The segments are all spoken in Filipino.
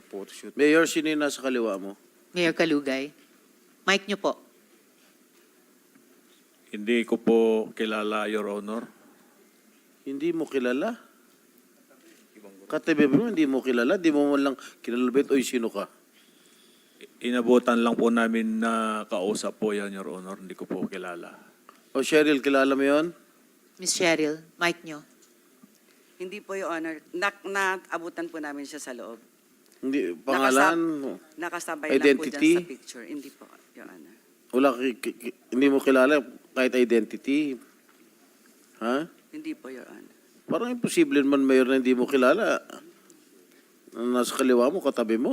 photoshoot. Mayor, sino yung nasa kaliwa mo? Mayor Kalugay. Mic niyo po. Hindi ko po kilala, Your Honor. Hindi mo kilala? Katabi mo, hindi mo kilala? Di mo man lang kilala ba? Oy, sino ka? Inabutan lang po namin na kausap po yan, Your Honor. Hindi ko po kilala. O Cheryl, kilala mo yon? Miss Cheryl, mic niyo. Hindi po, Your Honor. Naabutan po namin siya sa loob. Hindi, pangalan? Nakasabay lang po Identity? dyan sa picture. Hindi po, Your Honor. Wala, hindi mo kilala kahit identity. Ha? Hindi po, Your Honor. Parang imposible man mayor na hindi mo kilala. Nasa kaliwa mo, katabi mo.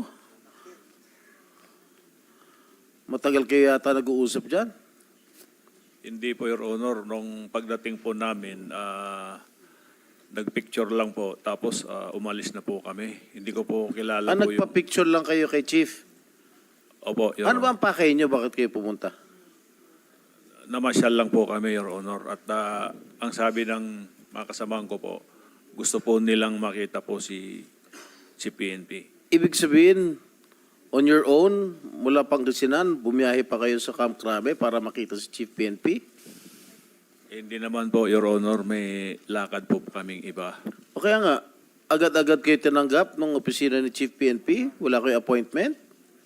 Matagal kayo yata nag-uusap dyan. Hindi po, Your Honor. Nung pagdating po namin, nagpicture lang po. Tapos umalis na po kami. Hindi ko po kilala po yung... Nagpa-picture lang kayo kay Chief. Opo, Your Ano ba Honor. ang pakay nyo? Bakit kayo pumunta? Namasyal lang po kami, Your Honor. At ang sabi ng mga kasamahan ko po, gusto po nilang makita po si PNP. Ibig sabihin, on your own, mula Pangasinan, bumiyahe pa kayo sa Camp Crame para makita si Chief PNP? Hindi naman po, Your Honor. May lakad po kaming iba. O kaya nga, agad-agad kayo tinanggap ng opisina ni Chief PNP? Wala kayo appointment?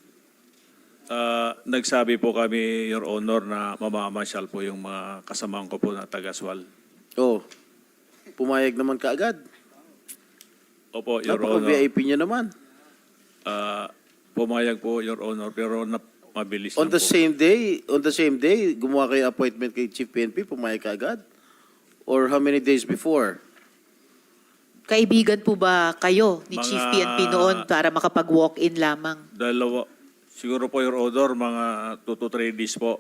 Nagsabi po kami, Your Honor, na mamamasyal po yung mga kasamahan ko po na taga-Sual. Oh, pumayag naman kaagad. Opo, Your Honor. Napaka-VIP niya naman. Pumayag po, Your Honor, pero mabilis On lang the same day, gumawa kayo appointment kay Chief PNP, pumayag kaagad? Or how many days before? Kaibigan po ba kayo ni Mga- Chief PNP noon para makapag-walk-in lamang? Siguro po, Your Honor, mga 2 to 3 days po.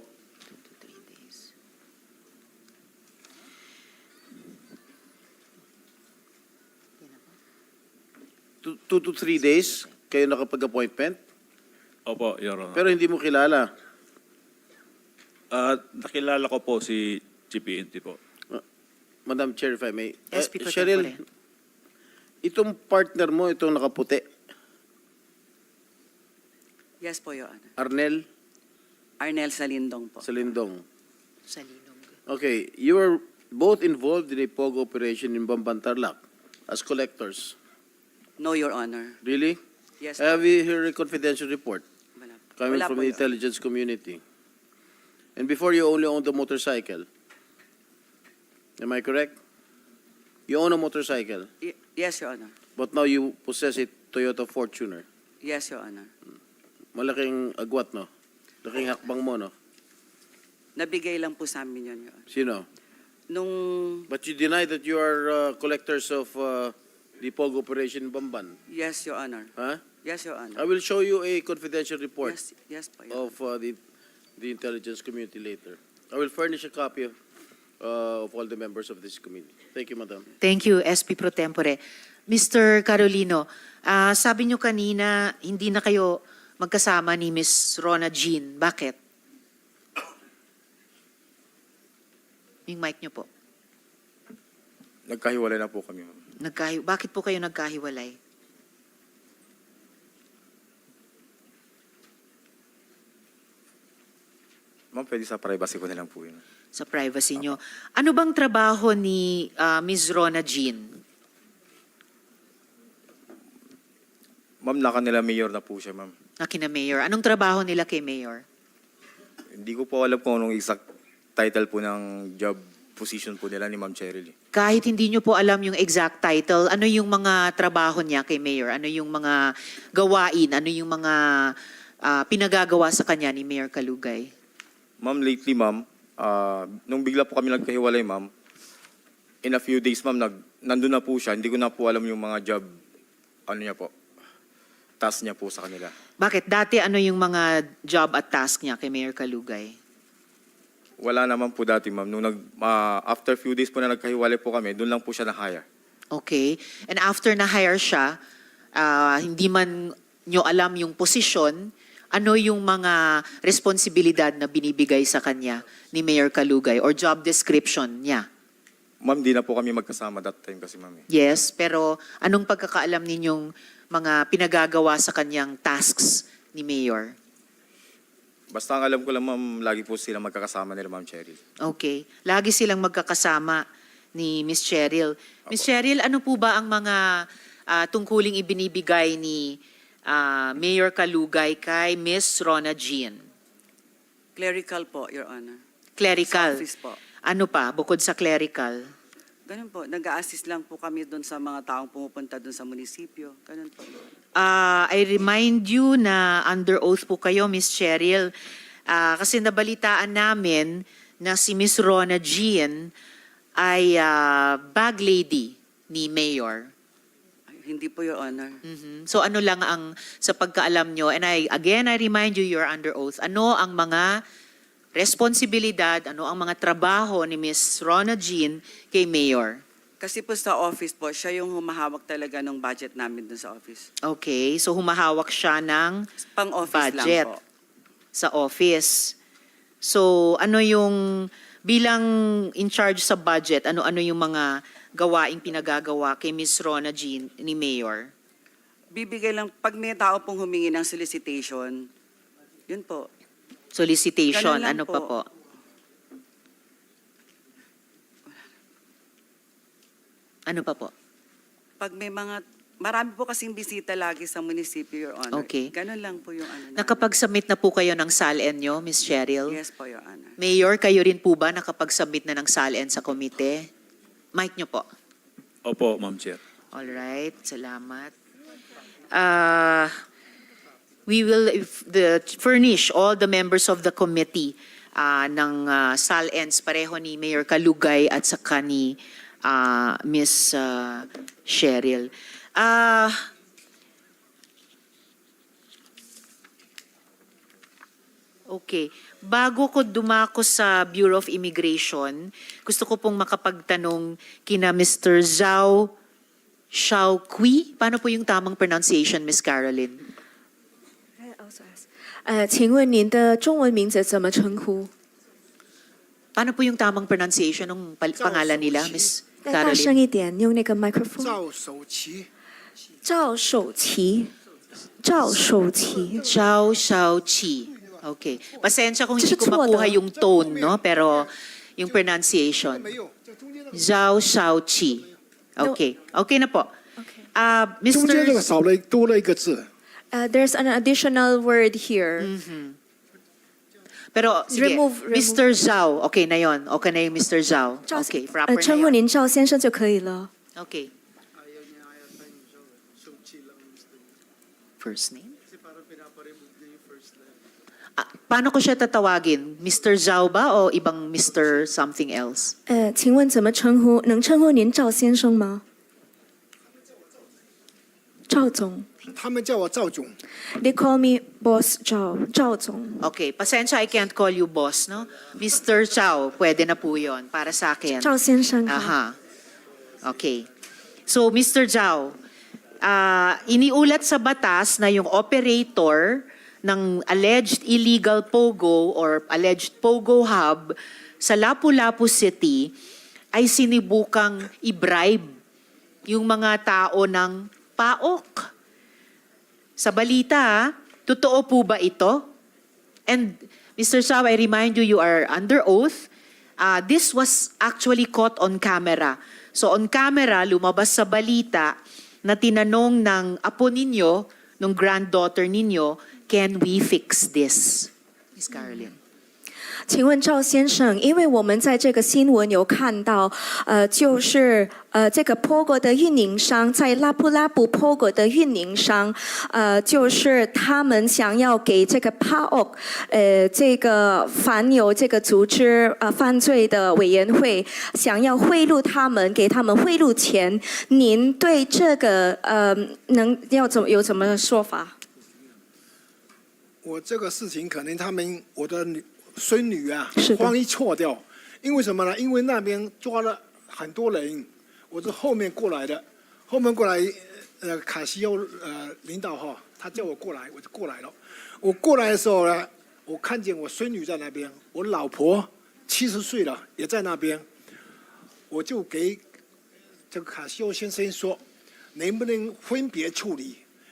2 to 3 days kayo nakapag-appointment? Opo, Your Honor. Pero hindi mo kilala. Nakilala ko po si PNP po. Madam Chair, if I may. SP Pro Cheryl, Tempore. itong partner mo, itong nakaputi, Yes po, Your Honor. Arnel Arnel Salindong po. Salindong. Sa Linog. Okay, you were both involved in a POG operation in Bambantarlac as collectors. No, Your Honor. Really? Yes Have po. you heard a confidential report Wala po. coming Wala from po, the Your Honor. intelligence community? And before you only owned the motorcycle. Am I correct? You own a motorcycle, Yes, Your Honor. but now you possess a Toyota Fortuner. Yes, Your Honor. Malaking agwat, no? Laking hakbang mo, no? Nabigay lang po sa amin yun, Your Honor. Sino? Nung... But you deny that you are collectors of the POG operation in Bamban. Yes, Your Honor. Huh? Yes, Your I Honor. will show you a confidential report Yes po, Your Honor. of the intelligence community later. I will furnish a copy of all the members of this committee. Thank you, Madam. Thank you, SP Pro Tempore. Mr. Carolino, sabi niyo kanina, hindi na kayo magkasama ni Miss Rona Jean. Bakit? Yung mic niyo po. Nagkahiwalay na po kami, ma'am. Bakit po kayo nagkahiwalay? Ma'am, pwede sa privacy ko na lang po yun. Sa privacy niyo. Ano bang trabaho ni Miss Rona Jean? Ma'am, nila mayor na po siya, ma'am. Na kina Mayor? Anong trabaho nila kay Mayor? Hindi ko po alam kung anong exact title po ng job position po nila ni Ma'am Cheryl. Kahit hindi niyo po alam yung exact title, ano yung mga trabaho niya kay Mayor? Ano yung mga gawain? Ano yung mga pinagagawa sa kanya ni Mayor Kalugay? Ma'am, lately, ma'am, nung bigla po kami nagkahiwalay, ma'am, in a few days, ma'am, nandun na po siya. Hindi ko na po alam yung mga job, niya po, task niya po sa kanila. Bakit? Dati ano yung mga job at task niya kay Mayor Kalugay? Wala naman po dati, ma'am. Nung after few days po na nagkahiwalay po kami, doon lang po siya na-hire. Okay. And after na-hire siya, hindi man nyo alam yung posisyon, ano yung mga responsibilidad na binibigay sa kanya ni Mayor Kalugay or job description niya? Ma'am, di na po kami magkasama that time kasi, ma'am. Yes, pero anong pagkakaalam ninyong mga pinagagawa sa kanyang tasks ni Mayor? Basta ang alam ko lang, ma'am, lagi po sila magkakasama nila, Ma'am Cheryl. Okay. Lagi silang magkakasama ni Miss Cheryl. Miss Cheryl, ano po ba ang mga tungkuling ibinibigay ni Mayor Kalugay kay Miss Rona Jean? Clerical po, Your Honor. Clerical. Sa office po. Ano pa, bukod sa clerical? Ganun po, nag-a-assist lang po kami doon sa mga taong pumupunta doon sa munisipyo. Ganun po. I remind you na under oath po kayo, Miss Cheryl, kasi nabalitaan namin na si Miss Rona Jean ay bag lady ni Mayor. Ay, hindi po, Your Honor. Mhm. So ano lang ang sa pagkaalam nyo, and I remind you, you're under oath, ano ang mga responsibilidad, ano ang mga trabaho ni Miss Rona Jean kay Mayor? Kasi po sa office po, siya yung humahawak talaga ng budget namin doon sa office. Okay, so humahawak siya ng Pang-office budget lang po. sa office. So ano yung, bilang in charge sa budget, ano-ano yung mga gawaing pinagagawa kay Miss Rona Jean ni Mayor? Bibigay lang, pag may tao pong humingi ng solicitation, yun po. Solicitation, Ganun lang ano pa po. po? Ano pa po? Pag may mga, marami po kasing bisita lagi sa munisipyo, Your Honor. Okay. Ganun lang po yung ano namin. Nakapag-submit na po kayo ng SALN nyo, Miss Cheryl? Yes po, Your Honor. Mayor, kayo rin po ba nakapag-submit na ng SALN sa komite? Mic nyo po. Opo, Ma'am Chair. Alright, salamat. We will furnish all the members of the committee ng SALNs pareho ni Mayor Kalugay at saka ni Miss Cheryl. Okay. Bago ko dumako sa Bureau of Immigration, gusto ko pong makapagtanong kina Mr. Zhao Xiaoqui. Paano po yung tamang pronunciation, Miss Caroline? 请问您的中文名字怎么称呼？ Paano po yung tamang pronunciation ng pangalan nila, Miss 再大声 Caroline? 一点，用那个麦克风。 赵守奇， 赵守奇，赵守奇， Zhao Xiaoqi. Okay. Pasensya kung hindi ko 这是错的。 makuha yung tone, no? Pero yung pronunciation. 没有，这中间的 Zhao Xiaoqi. Okay. Okay na po. Okay. 中间这个 Mr. 少了多了一个字， There's an additional word here. Pero sige, Remove. Mr. Zhao. Okay na yon. Okay na yung Mr. Zhao. 赵 Okay, proper 称 na 呼 yun. 您赵先生就可以了。 Okay. First name? Paano ko siya tatawagin? Mr. Zhao ba o ibang Mr. something else? 请问怎么称呼？能称呼您赵先生吗？赵总他们叫我赵总， ，They call me Boss 赵，赵总。 Okay, pasensya, I can't call you boss, no? Mr. Zhao, pwede na po yun para sa akin. 赵先生好。 Aha. Okay. So, Mr. Zhao, iniulat sa batas na yung operator ng alleged illegal POGO or alleged POGO hub sa Lapu-Lapu City ay sinibukang i-bribe yung mga tao ng PAOK. Sa balita, totoo po ba ito? And Mr. Zhao, I remind you, you are under oath. This was actually caught on camera. So on camera, lumabas sa balita na tinanong ng apo ninyo, ng granddaughter ninyo, can we fix this? Miss Caroline. 请问赵先生，因为我们在这个新闻有看到，就是这个 POGO 的运营商在拉布拉布 POGO 的运营商，就是他们想要给这个 PAOK，这个反有这个组织犯罪的委员会，想要贿赂他们，给他们贿赂钱。您对这个有怎么说法？ 我这个事情可能他们我的孙女啊是的慌一错掉，因为什么呢？因为那边抓了很多人，我是后面过来的，后面过来卡西欧领导哈，他叫我过来，我就过来了。我过来的时候呢，我看见我孙女在那边，我老婆70岁了也在那边，我就给这个卡西欧先生说，能不能分别处理？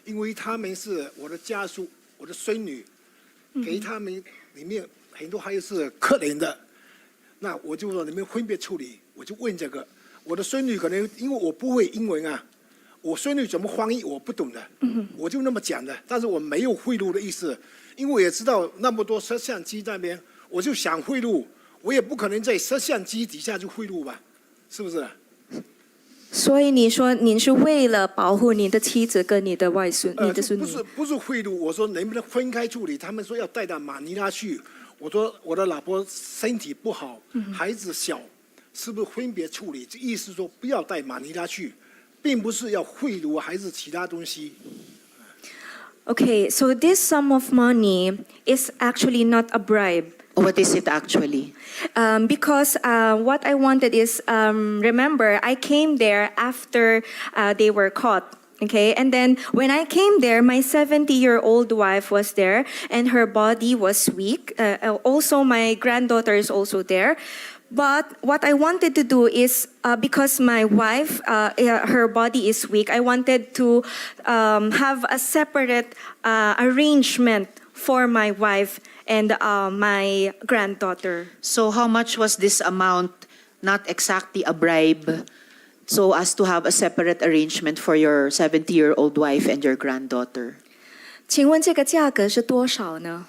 因为他们是我的家属，我的孙女，给他们里面很多还有是客人的，那我就说你们分别处理，我就问这个。我的孙女可能因为我不会英文啊，我孙女怎么翻译我不懂的，我就那么讲的，但是我没有贿赂的意思，因为我也知道那么多摄像机那边，我就想贿赂，我也不可能在摄像机底下就贿赂吧，是不是？ 所以你说您是为了保护你的妻子跟你的外孙、你的孙女？ 不是贿赂，我说能不能分开处理？他们说要带到马尼拉去，我说我的老婆身体不好，孩子小，是不是分别处理？这意思说不要带马尼拉去，并不是要贿赂还是其他东西。 Okay, so this sum of money is actually not a bribe. What is it actually? Because what I wanted is, remember, I came there after they were caught. Okay, and then when I came there, my 70-year-old wife was there, and her body was weak. Also, my granddaughter is also there. But what I wanted to do is, because my wife, her body is weak, I wanted to have a separate arrangement for my wife and my granddaughter. So how much was this amount, not exactly a bribe, so as to have a separate arrangement for your 70-year-old wife and your granddaughter? 请问这个价格是多少呢？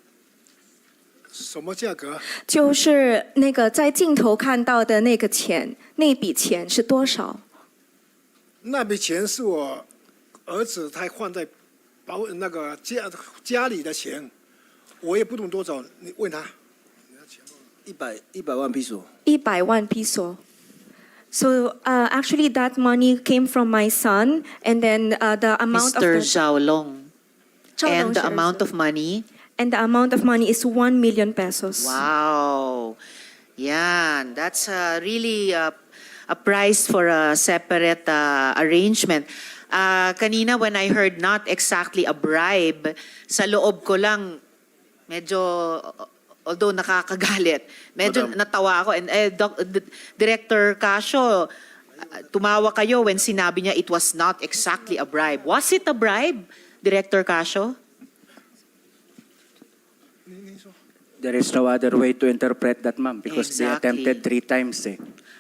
什么价格？ 就是那个在镜头看到的那个钱，那笔钱是多少？ 那笔钱是我儿子他放在那个家里的钱，我也不懂多少，你问他。 100万piso. 100万 peso. So actually, that money came from my son, and then the amount of Mr. the, Zhao Long. Zhao Long, And the sir. amount of money? And the amount of money is 1 million pesos. Wow. Yan. That's really a price for a separate arrangement. Kanina when I heard not exactly a bribe, sa loob ko lang, medyo, although nakakagalit, medyo natawa ako. And Director Casio, tumawa kayo when sinabi niya it was not exactly a bribe. Was it a bribe, Director Casio? There is no other way to interpret that, ma'am, because they Exactly. attempted 3 times.